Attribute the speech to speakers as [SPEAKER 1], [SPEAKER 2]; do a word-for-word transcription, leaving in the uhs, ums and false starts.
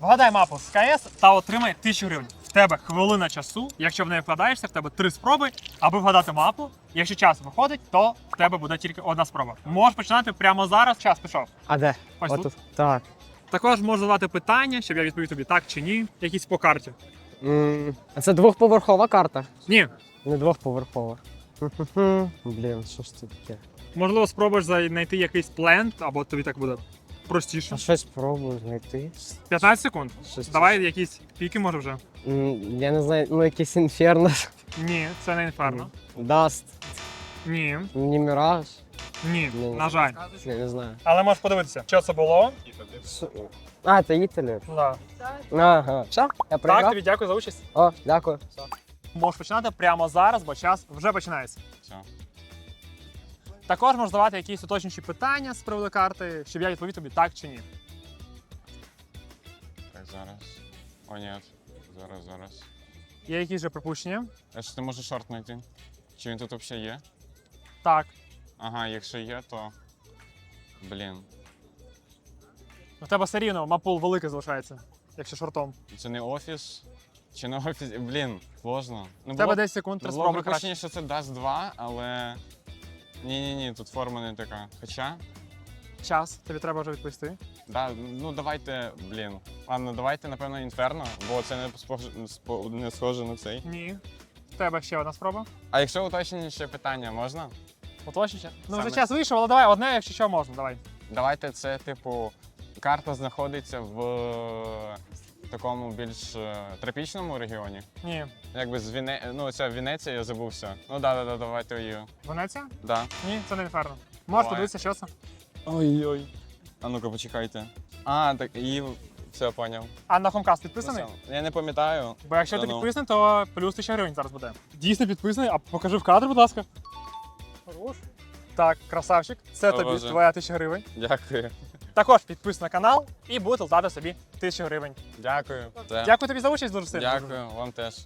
[SPEAKER 1] Вгадай мапу з КС та отримай тисячу гривень. В тебе хвилина часу, якщо в неї вкладаєшся, в тебе три спроби, аби вгадати мапу. Якщо час виходить, то в тебе буде тільки одна спроба. Можеш починати прямо зараз, час пішов.
[SPEAKER 2] А де?
[SPEAKER 1] Ось
[SPEAKER 2] Отут.
[SPEAKER 1] тут.
[SPEAKER 2] Так.
[SPEAKER 1] Також можу задавати питання, щоб я відповів тобі так чи ні, якісь по карті.
[SPEAKER 2] М, А це двохповерхова карта?
[SPEAKER 1] Ні.
[SPEAKER 2] Не двохповерхова. Блін, що ж це таке?
[SPEAKER 1] Можливо, спробуєш знайти якийсь плент, або тобі так буде простіше.
[SPEAKER 2] А щось спробую знайти.
[SPEAKER 1] п'ятнадцять секунд.
[SPEAKER 2] Щось-
[SPEAKER 1] Давай якісь піки, може вже.
[SPEAKER 2] М, Я не знаю, ну якийсь інферно.
[SPEAKER 1] Ні, це не інферно.
[SPEAKER 2] Даст.
[SPEAKER 1] Ні.
[SPEAKER 2] Не Міраж.
[SPEAKER 1] Ні,
[SPEAKER 2] Ну.
[SPEAKER 1] на жаль.
[SPEAKER 2] Я не знаю.
[SPEAKER 1] Але можеш подивитися, що це було.
[SPEAKER 2] Що- А, це Італія.
[SPEAKER 1] Да.
[SPEAKER 2] Ага. Все, я
[SPEAKER 1] Так,
[SPEAKER 2] приграв?
[SPEAKER 1] тобі дякую за участь.
[SPEAKER 2] О, дякую.
[SPEAKER 1] Можеш починати прямо зараз, бо час вже починається.
[SPEAKER 3] Все.
[SPEAKER 1] Також можеш задавати якісь уточнюючі питання з приводу карти, щоб я відповів тобі так чи ні.
[SPEAKER 3] Так, зараз. О, ні. Зараз, зараз.
[SPEAKER 1] Є якісь вже припущення?
[SPEAKER 3] А що ти можеш шорт знайти? Чи він тут взагалі є?
[SPEAKER 1] Так.
[SPEAKER 3] Ага, якщо є, то. Блін.
[SPEAKER 1] У тебе все рівно мапул великий залишається, якщо шортом.
[SPEAKER 3] Це не офіс? Чи не офіс? Блін, сложно. Ну,
[SPEAKER 1] У тебе десять секунд, три
[SPEAKER 3] ну, було
[SPEAKER 1] спроби
[SPEAKER 3] припущення,
[SPEAKER 1] краще.
[SPEAKER 3] що це даст два, але. Ні-ні-ні, тут форма не така. Хоча.
[SPEAKER 1] Час, тобі треба вже відповісти.
[SPEAKER 3] Да, ну давайте, блін. Ладно, давайте, напевно, інферно, бо це не схоже, спо- не схоже на цей.
[SPEAKER 1] Ні. В тебе ще одна спроба.
[SPEAKER 3] А якщо уточнені ще питання, можна?
[SPEAKER 1] Уточніше. Ну вже
[SPEAKER 3] Саме-
[SPEAKER 1] час вийшов, але давай одне, якщо що можна, давай.
[SPEAKER 3] Давайте це, типу, карта знаходиться в такому більш е, тропічному регіоні.
[SPEAKER 1] Ні.
[SPEAKER 3] Якби з Віне... ну, це Венеція, я забувся. Ну да, да, да, давайте її.
[SPEAKER 1] Венеція?
[SPEAKER 3] Да.
[SPEAKER 1] Ні, це не інферно. Можеш
[SPEAKER 3] Давай.
[SPEAKER 1] подивитися, що це.
[SPEAKER 3] Ой-ой. А ну-ка, почекайте. А, так і все, поняв.
[SPEAKER 1] А на Хомкаст
[SPEAKER 3] Ну,
[SPEAKER 1] підписаний?
[SPEAKER 3] все. Я не пам'ятаю.
[SPEAKER 1] Бо якщо
[SPEAKER 3] Та
[SPEAKER 1] ти
[SPEAKER 3] ну.
[SPEAKER 1] підписаний, то плюс тисяча гривень зараз буде. Дійсно підписаний, а покажи в кадр, будь ласка. Хорош. Так, красавчик. Це
[SPEAKER 3] О,
[SPEAKER 1] тобі
[SPEAKER 3] Боже.
[SPEAKER 1] твоя тисяча гривень.
[SPEAKER 3] Дякую.
[SPEAKER 1] Також підписуй на канал і будете латати собі тисячу гривень.
[SPEAKER 3] Дякую. Це.
[SPEAKER 1] Дякую тобі за участь дуже сильно.
[SPEAKER 3] Дякую, вам теж.